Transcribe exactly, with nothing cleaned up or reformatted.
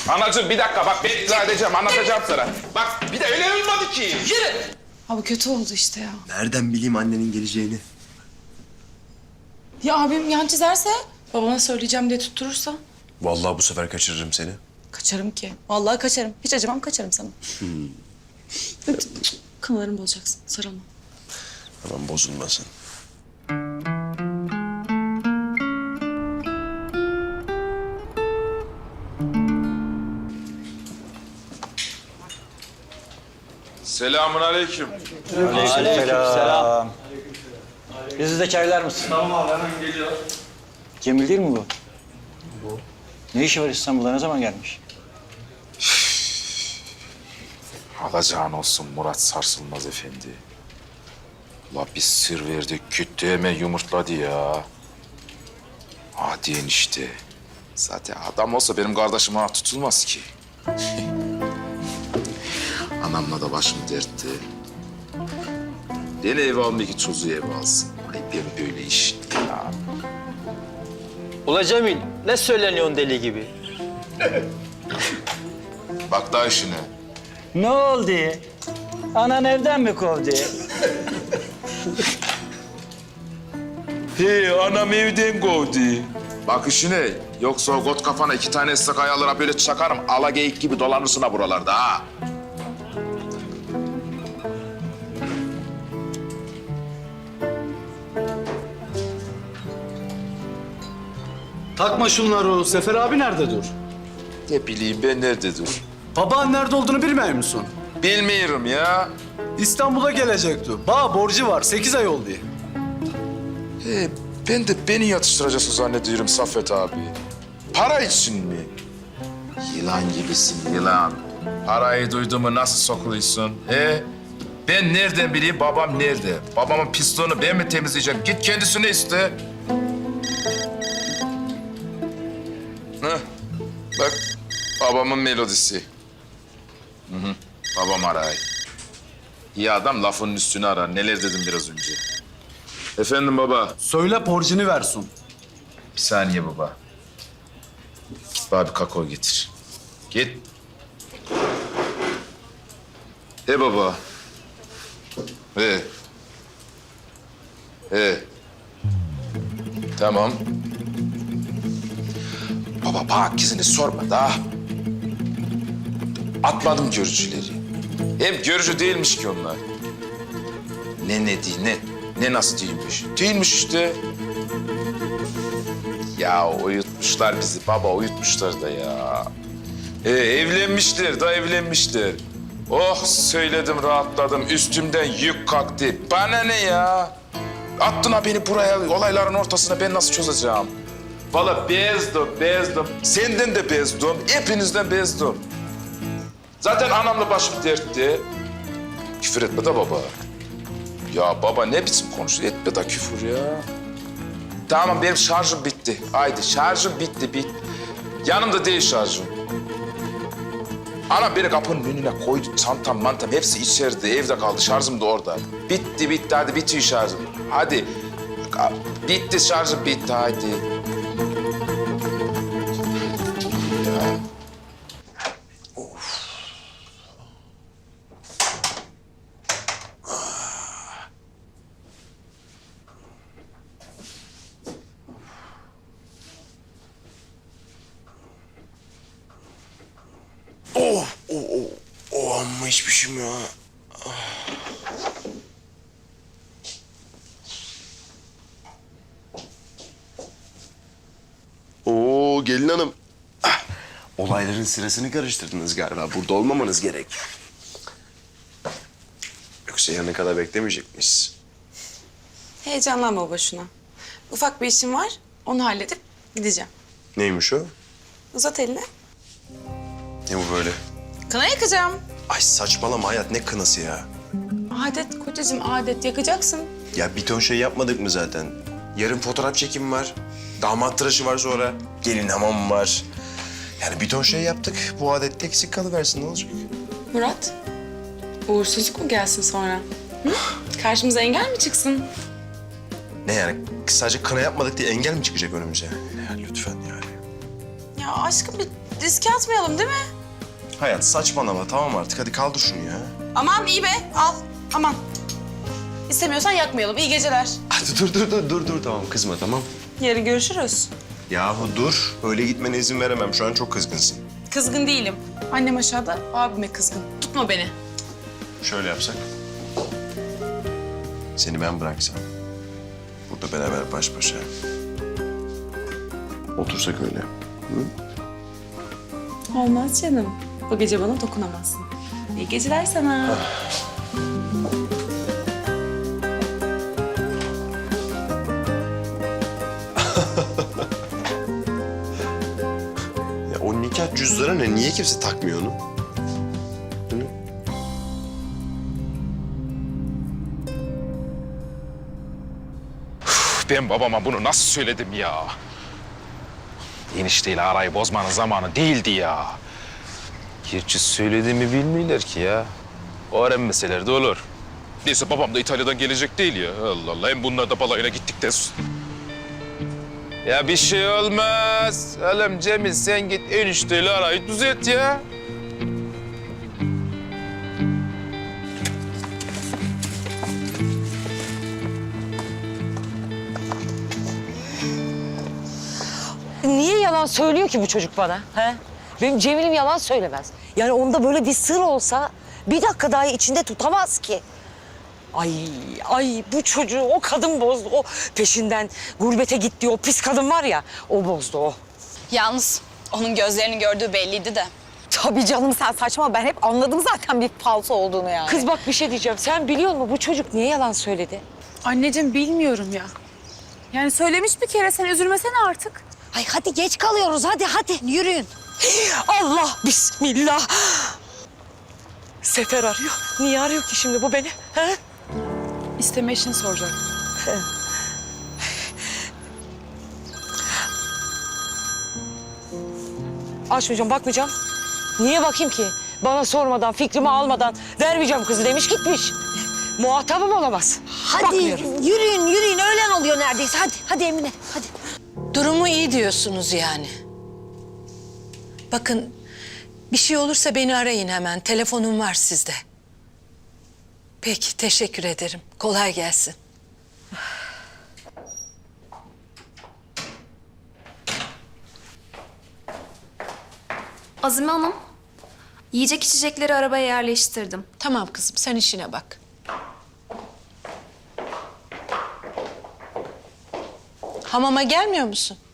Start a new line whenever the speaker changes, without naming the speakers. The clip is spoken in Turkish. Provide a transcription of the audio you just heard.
Anacığım bir dakika bak ben izah edeceğim, anlatacağım sana. Bak bir de öyle olmadı ki. Yürü.
Abi kötü oldu işte ya.
Nereden bileyim annenin geleceğini?
Ya abim yan çizerse, babana söyleyeceğim diye tutturursa?
Vallahi bu sefer kaçırırım seni.
Kaçarım ki. Vallahi kaçarım. Hiç acımam, kaçarım sana. Hmm. Kanalarımı bozacaksın. Sarılma.
Tamam bozulmasın.
Selamun aleyküm.
Aleykümselam. Bizi de çaylar mısın? Tamam abi hemen geliyor. Cemil değil mi bu? Bu. Ne işi var İstanbul'da? Ne zaman gelmiş?
Alacağın olsun Murat Sarsılmaz Efendi. La bir sır verdi, küttü hemen yumurtladı ya. Hadi enişte. Zaten adam olsa benim kardeşim ona tutulmaz ki. Anamla da başım dertte. Beni eve almıyor ki çocuğu eve alsın. Ay ben böyle iş ya.
Ula Cemil, ne söyleniyorsun deli gibi?
Bak daha işine.
Ne oldu? Anan evden mi kovdu?
He anam evden kovdu. Bak işine. Yoksa o got kafana iki tane ıslak ayarlara böyle çakarım. Ala geyik gibi dolanırsın ha buralarda ha.
Takma şunları o. Sefer abi nerede dur?
Ne bileyim ben nerede dur?
Baban nerede olduğunu bilmiyor musun?
Bilmiyorum ya.
İstanbul'a gelecekti. Bağ borcu var. Sekiz ay oldu.
He, ben de beni yatıştıracaksın zannediyorum Saffet abi. Para için mi? Yılan gibisin yılan. Parayı duyduğumu nasıl sokuluyorsun? He? Ben nereden bileyim babam nerede? Babamın pisliğini ben mi temizleyeceğim? Git kendisine iste. Heh, bak babamın melodisi. Hı hı, babam aray. İyi adam lafının üstüne arar. Neler dedim biraz önce. Efendim baba.
Söyle borcunu versin.
Bir saniye baba. Git bana bir kakao getir. Git. He baba. He. He. Tamam. Baba bana gizini sorma da. Atmadım görücüleri. Hem görücü değilmiş ki onlar. Ne ne değil ne. Ne nasıl değilmiş? Değilmiş işte. Ya uyutmuşlar bizi baba, uyutmuşlar da ya. Ee, evlenmişler da evlenmişler. Oh söyledim, rahatladım. Üstümden yük kalktı. Bana ne ya? Attın ha beni buraya, olayların ortasına ben nasıl çözeceğim? Vallahi bezdim, bezdim. Senden de bezdim, hepinizden bezdim. Zaten anamla başım dertte. Küfür etme de baba. Ya baba ne biçim konuşuyor? Etme de küfür ya. Tamam benim şarjım bitti. Haydi şarjım bitti, bitti. Yanımda değil şarjım. Anam beni kapının önüne koydu. Çantam, mantam hepsi içeride. Evde kaldı. Şarjım da orada. Bitti, bitti. Hadi bitiyor şarjım. Hadi. Bitti şarjım, bitti. Hadi. Ya.
Oh, oh, oh, oh amma içmişim ya. Oo gelin hanım. Ah, olayların sırasını karıştırdınız galiba. Burada olmamanız gerek. Yoksa yarına kadar beklemeyecekmişiz.
Heyecanlanma boşuna. Ufak bir işim var. Onu halledip gideceğim.
Neymiş o?
Uzat elini.
Ne bu böyle?
Kına yakacağım.
Ay saçmalama hayat, ne kınası ya?
Adet kocacığım, adet yakacaksın.
Ya bir ton şey yapmadık mı zaten? Yarın fotoğraf çekimi var. Damat tıraşı var sonra. Gelin hamamı var. Yani bir ton şey yaptık. Bu adette eksik kalıversin, ne olacak?
Murat, uğursuzluk mu gelsin sonra? Hı? Karşımıza engel mi çıksın?
Ne yani? Sadece kına yapmadık diye engel mi çıkacak önümüze? Ya lütfen yani.
Ya aşkım bir riske atmayalım değil mi?
Hayat saçmalama tamam artık. Hadi kaldır şunu ya.
Aman iyi be, al. Aman. İstemiyorsan yakmayalım. İyi geceler.
Hadi dur dur dur dur dur tamam kızma tamam.
Yarın görüşürüz.
Yahu dur. Öyle gitmene izin veremem. Şu an çok kızgınsın.
Kızgın değilim. Annem aşağıda, abime kızgın. Tutma beni.
Şöyle yapsak. Seni ben bıraksam. Burada beraber baş başa. Otursak öyle. Hı?
Olmaz canım. Bu gece bana dokunamazsın. İyi geceler sana.
Ya o nikah cüzdanı ne? Niye kimse takmıyor onu? Hı?
Ben babama bunu nasıl söyledim ya? Enişteyle arayı bozmanın zamanı değildi ya. Gerçi söylediğimi bilmiyorlar ki ya. Öğrenmeseler de olur. Neyse babam da İtalya'dan gelecek değil ya. Allah Allah. Hem bunlar da balayına gittikten sonra. Ya bir şey olmaz. Oğlum Cemil sen git enişteyle arayı düzelt ya.
Niye yalan söylüyor ki bu çocuk bana? He? Benim Cemil'im yalan söylemez. Yani onda böyle bir sır olsa bir dakika daha içinde tutamaz ki. Ay, ay bu çocuğu o kadın bozdu. O peşinden gurbete gitti o pis kadın var ya, o bozdu o.
Yalnız onun gözlerini gördüğü belliydi de.
Tabii canım sen saçma. Ben hep anladım zaten bir falso olduğunu yani.
Kız bak bir şey diyeceğim. Sen biliyor musun bu çocuk niye yalan söyledi?
Anneciğim bilmiyorum ya. Yani söylemiş bir kere, sen üzülmesene artık.
Ay hadi geç kalıyoruz. Hadi hadi yürüyün.
Allah bismillah. Sefer arıyor. Niye arıyor ki şimdi bu beni? He?
İsteme işini soracak.
Açmayacağım, bakmayacağım. Niye bakayım ki? Bana sormadan, fikrimi almadan vermeyeceğim kızı demiş gitmiş. Muhatabım olamaz.
Hadi
Bakmıyorum.
yürüyün yürüyün. Öğlen oluyor neredeyse. Hadi hadi Emine hadi.
Durumu iyi diyorsunuz yani. Bakın bir şey olursa beni arayın hemen. Telefonum var sizde. Peki teşekkür ederim. Kolay gelsin.
Azime Hanım, yiyecek içecekleri arabaya yerleştirdim.
Tamam kızım sen işine bak. Hamama gelmiyor musun?